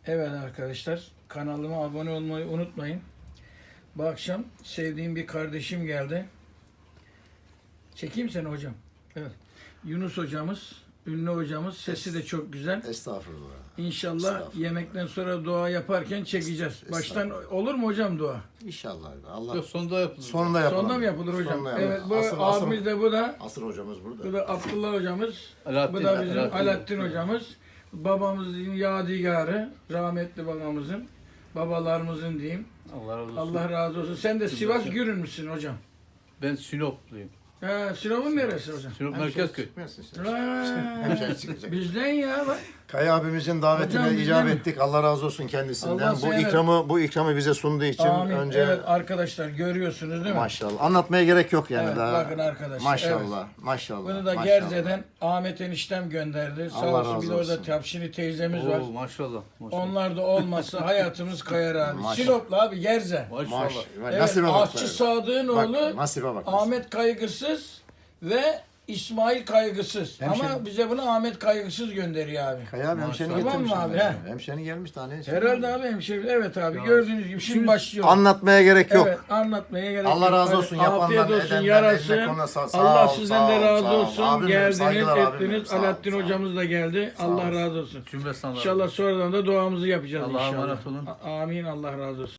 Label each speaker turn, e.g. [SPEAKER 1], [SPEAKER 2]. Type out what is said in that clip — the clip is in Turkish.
[SPEAKER 1] Evet arkadaşlar, kanalıma abone olmayı unutmayın. Bu akşam sevdiğim bir kardeşim geldi. Çekeyim seni hocam. Evet. Yunus hocamız, ünlü hocamız. Sesi de çok güzel.
[SPEAKER 2] Estağfurullah.
[SPEAKER 1] İnşallah
[SPEAKER 2] Estağfurullah.
[SPEAKER 1] yemekten sonra dua yaparken çekeceğiz. Baştan olur mu hocam dua?
[SPEAKER 2] İnşallah. Allah
[SPEAKER 3] Yok, sonunda yapılır.
[SPEAKER 2] sonunda yapalım.
[SPEAKER 1] Sonunda mı yapılır hocam?
[SPEAKER 2] Sonunda
[SPEAKER 1] Evet, bu
[SPEAKER 2] yapalım.
[SPEAKER 1] abimiz de bu da.
[SPEAKER 2] Asır hocamız burada.
[SPEAKER 1] Bu da Abdullah hocamız.
[SPEAKER 3] Alaaddin,
[SPEAKER 1] Bu da bizim
[SPEAKER 3] Alaaddin.
[SPEAKER 1] Alaaddin hocamız. Babamızın yadigarı, rahmetli babamızın, babalarımızın diyeyim.
[SPEAKER 3] Allah razı olsun.
[SPEAKER 1] Allah razı olsun. Sen de Sivas Gürün müsün hocam?
[SPEAKER 3] Ben Sinopluyum.
[SPEAKER 1] Ha, Sinop'un neresi hocam?
[SPEAKER 3] Sinop Merkezköy.
[SPEAKER 2] Çıkmıyorsun sen.
[SPEAKER 1] Ha,
[SPEAKER 2] Hemşehri çıkacak.
[SPEAKER 1] bizden ya bak.
[SPEAKER 2] Kaya abimizin davetine
[SPEAKER 1] Hocam,
[SPEAKER 2] icap
[SPEAKER 1] bizden mi?
[SPEAKER 2] ettik. Allah razı olsun kendisinden.
[SPEAKER 1] Allah seni-
[SPEAKER 2] Bu ikramı bize sunduğu için
[SPEAKER 1] Amin.
[SPEAKER 2] önce
[SPEAKER 1] Evet arkadaşlar görüyorsunuz değil mi?
[SPEAKER 2] maşallah. Anlatmaya gerek yok yani
[SPEAKER 1] Evet,
[SPEAKER 2] daha.
[SPEAKER 1] bakın arkadaşlar,
[SPEAKER 2] Maşallah. Maşallah.
[SPEAKER 1] Bunu da
[SPEAKER 2] maşallah.
[SPEAKER 1] Gerze'den Ahmet eniştem gönderdi. Sağ
[SPEAKER 2] Allah
[SPEAKER 1] olsun. Bir de
[SPEAKER 2] razı
[SPEAKER 1] orada
[SPEAKER 2] olsun.
[SPEAKER 1] Tapşini teyzemiz var.
[SPEAKER 3] Oo, maşallah. Maşallah.
[SPEAKER 1] Onlar da olmazsa hayatımız kayar abi.
[SPEAKER 2] Maşallah.
[SPEAKER 1] Sinoplu abi Gerze.
[SPEAKER 3] Maşallah.
[SPEAKER 1] Evet,
[SPEAKER 2] Nasibe bak.
[SPEAKER 1] Aşçı Sadık'ın
[SPEAKER 2] Bak,
[SPEAKER 1] oğlu
[SPEAKER 2] nasibe bak.
[SPEAKER 1] Ahmet Kaygısız ve İsmail Kaygısız.
[SPEAKER 2] Hemşerim.
[SPEAKER 1] Ama bize bunu Ahmet Kaygısız gönderiyor abi.
[SPEAKER 2] Kaya abi hemşerini
[SPEAKER 3] Maşallah.
[SPEAKER 2] getirmiş.
[SPEAKER 1] Tamam mı abi, he?
[SPEAKER 2] Hemşerini gelmiş daha ne?
[SPEAKER 1] Herhalde abi hemşehri. Evet abi gördüğünüz gibi şimdi başlıyor.
[SPEAKER 2] Anlatmaya gerek yok.
[SPEAKER 1] Evet anlatmaya gerek
[SPEAKER 2] Allah
[SPEAKER 1] yok.
[SPEAKER 2] razı
[SPEAKER 1] Hadi,
[SPEAKER 2] olsun yapanlar,
[SPEAKER 1] afiyet olsun
[SPEAKER 2] edenler,
[SPEAKER 1] yarasın.
[SPEAKER 2] eline koluna sağ
[SPEAKER 1] Allah
[SPEAKER 2] ol,
[SPEAKER 1] sizden de
[SPEAKER 2] sağ ol,
[SPEAKER 1] razı
[SPEAKER 2] sağ ol.
[SPEAKER 1] olsun.
[SPEAKER 2] Abim benim,
[SPEAKER 1] Geldiniz,
[SPEAKER 2] saygılar abim benim,
[SPEAKER 1] ettiniz.
[SPEAKER 2] sağ ol,
[SPEAKER 1] Alaaddin
[SPEAKER 2] sağ ol.
[SPEAKER 1] hocamız da geldi. Allah razı olsun.
[SPEAKER 3] Cümlesinden razı
[SPEAKER 1] İnşallah
[SPEAKER 3] olsun.
[SPEAKER 1] sonradan da duamızı yapacağız
[SPEAKER 3] Allah'a
[SPEAKER 1] inşallah.
[SPEAKER 3] emanet olun.
[SPEAKER 1] Amin. Allah razı olsun.